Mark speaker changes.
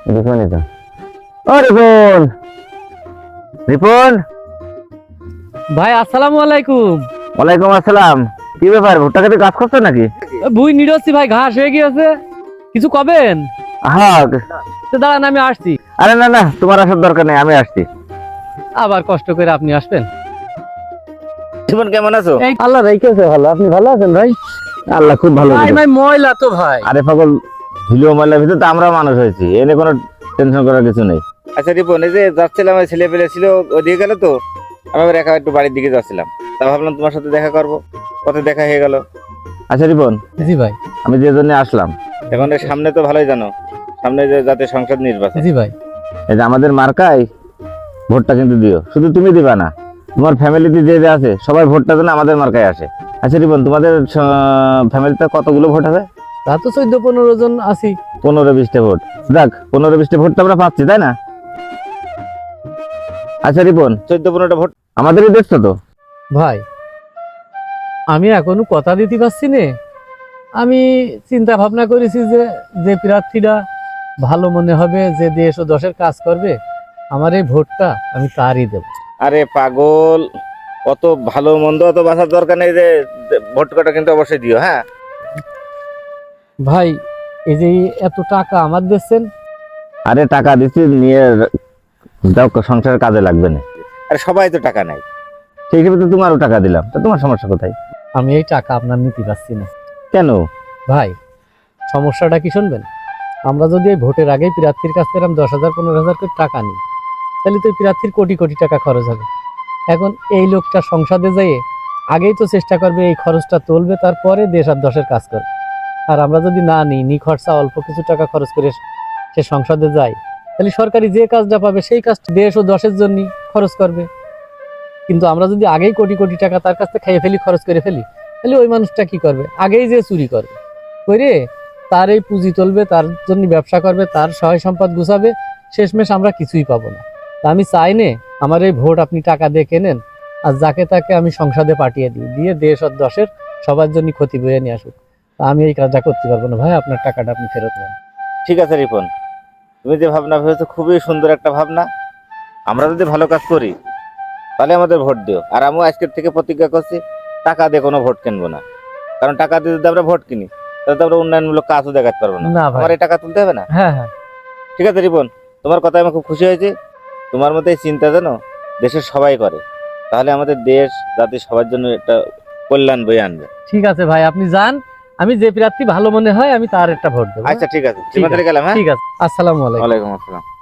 Speaker 1: রিপনই তো। ও রিপন, রিপন।
Speaker 2: ভাই আসসালামু আলাইকুম।
Speaker 1: ওয়ালাইকুম আসসালাম। কি ব্যাপার, ভুট্টা খেতে কাজ করছো নাকি?
Speaker 2: ভুই নিরোচ্ছি ভাই, ঘাস হয়ে গিয়েছে, কিছু কবেন?
Speaker 1: হ্যাঁ।
Speaker 2: তো দাঁড়ান আমি আসছি।
Speaker 1: আরে না না, তোমার আসার দরকার নেই, আমি আসছি।
Speaker 2: আবার কষ্ট করে আপনি আসবেন।
Speaker 1: রিপন কেমন আছো?
Speaker 2: এই আল্লাহ রেখেছে ভালো, আপনি ভালো আছেন ভাই?
Speaker 1: আল্লাহ খুব ভালো
Speaker 2: ভাই
Speaker 1: রেখেছে।
Speaker 2: ভাই ময়লা তো ভাই।
Speaker 1: আরে পাগল, ধুলো ময়লার ভিতরে তো আমরা মানুষ হয়েছি, এনে কোনো টেনশন করার কিছু নেই। আচ্ছা রিপন, এই যে যাচ্ছিলাম, ছেলে পেলে ছিল ওদিকে গেল তো, আমি আবার একা একটু বাড়ির দিকে যাচ্ছিলাম, তা ভাবলাম তোমার সাথে দেখা করবো, পথে দেখা হয়ে গেল। আচ্ছা রিপন,
Speaker 2: জি ভাই।
Speaker 1: আমি যে জন্য আসলাম, এখন এর সামনে তো ভালোই জানো, সামনে যে জাতীয় সংসদ নির্বাচন।
Speaker 2: জি ভাই।
Speaker 1: এই যে আমাদের মার্কায় ভোটটা কিন্তু দিও, শুধু তুমি দিবা না, তোমার ফ্যামিলিতে যে যে আছে সবাই ভোটটা যেন আমাদের মার্কায় আসে। আচ্ছা রিপন, তোমাদের ফ্যামিলিতে কতগুলো ভোট হবে?
Speaker 2: তা তো 14-15 জন আছি।
Speaker 1: 15-20টা ভোট। দেখ, 15-20টা ভোট তো আমরা পাচ্ছি, তাই না? আচ্ছা রিপন, 14-15টা ভোট আমাদেরই দেখছো তো।
Speaker 2: ভাই আমি এখনো কথা দিতে পারছি না। আমি চিন্তা ভাবনা করেছি যে যে প্রার্থীরা ভালো মনে হবে, যে দেশ ও দশের কাজ করবে, আমার এই ভোটটা আমি তারই দেব।
Speaker 1: আরে পাগল, অত ভালো মন্দ অত বাঁচার দরকার নেই, যে ভোট কটা কিন্তু অবশ্যই দিও, হ্যাঁ?
Speaker 2: ভাই এই যে এত টাকা আমার দিচ্ছেন।
Speaker 1: আরে টাকা দিচ্ছি, নিয়ে যাও, সংসারের কাজে লাগবে না। আরে সবাই তো টাকা নাই, সেই হিসেবে তো তোমারও টাকা দিলাম, তা তোমার সমস্যা কোথায়?
Speaker 2: আমি এই টাকা আপনার নিতে পারছি না।
Speaker 1: কেন?
Speaker 2: ভাই সমস্যাটা কি শুনবেন? আমরা যদি এই ভোটের আগেই প্রার্থীর কাছ থেকে 10,000 15,000 করে টাকা নিই, তাহলে তো প্রার্থীর কোটি কোটি টাকা খরচ হবে। এখন এই লোকটা সংসদে যেয়ে আগেই তো চেষ্টা করবে, এই খরচটা তুলবে, তারপরে দেশ আর দশের কাজ করবে। আর আমরা যদি না নিই খরচা অল্প কিছু টাকা খরচ করে সে সংসদে যায়, তাহলে সরকারি যে কাজটা পাবে সেই কাজটা দেশ ও দশের জন্য খরচ করবে। কিন্তু আমরা যদি আগেই কোটি কোটি টাকা তার কাছ থেকে খাইয়ে ফেলি, খরচ করে ফেলি, তাহলে ওই মানুষটা কি করবে? আগেই যে চুরি করবে, করে তার এই পুঁজি তুলবে, তার জন্য ব্যবসা করবে, তার সহায় সম্পদ গুছাবে, শেষমেশ আমরা কিছুই পাবো না। তা আমি চাই না আমার এই ভোট আপনি টাকা দিয়ে কেনেন, আর যাকে তাকে আমি সংসদে পাঠিয়ে দিই, দিয়ে দেশ আর দশের সবার জন্য ক্ষতি বয়ে নিয়ে আসুক। তা আমি এই কাজটা করতে পারবো না ভাই, আপনার টাকাটা আপনি ফেরত নেন।
Speaker 1: ঠিক আছে রিপন, তুমি যে ভাবনা ভেবেছো খুবই সুন্দর একটা ভাবনা। আমরা যদি ভালো কাজ করি তাহলে আমাদের ভোট দিও, আর আমিও আজকের থেকে প্রতিজ্ঞা করছি, টাকা দিয়ে কোনো ভোট কিনবো না। কারণ টাকা দিয়ে যদি আমরা ভোট কিনি, তাহলে তো আমরা উন্নয়নমূলক কাজও দেখাতে পারবো না।
Speaker 2: না ভাই।
Speaker 1: আমার এই টাকা তুলতে হবে না।
Speaker 2: হ্যাঁ হ্যাঁ।
Speaker 1: ঠিক আছে রিপন, তোমার কথায় আমি খুব খুশি হয়েছি। তোমার মতো এই চিন্তা যেন দেশের সবাই করে, তাহলে আমাদের দেশ জাতি সবার জন্য একটা কল্যাণ বয়ে আনবে।
Speaker 2: ঠিক আছে ভাই, আপনি যান, আমি যে প্রার্থী ভালো মনে হয় আমি তার একটা ভোট দেবো।
Speaker 1: আচ্ছা ঠিক আছে,
Speaker 2: ঠিক আছে,
Speaker 1: গেলাম, হ্যাঁ?
Speaker 2: ঠিক আছে। আসসালামু আলাইকুম।
Speaker 1: ওয়ালাইকুম আসসালাম।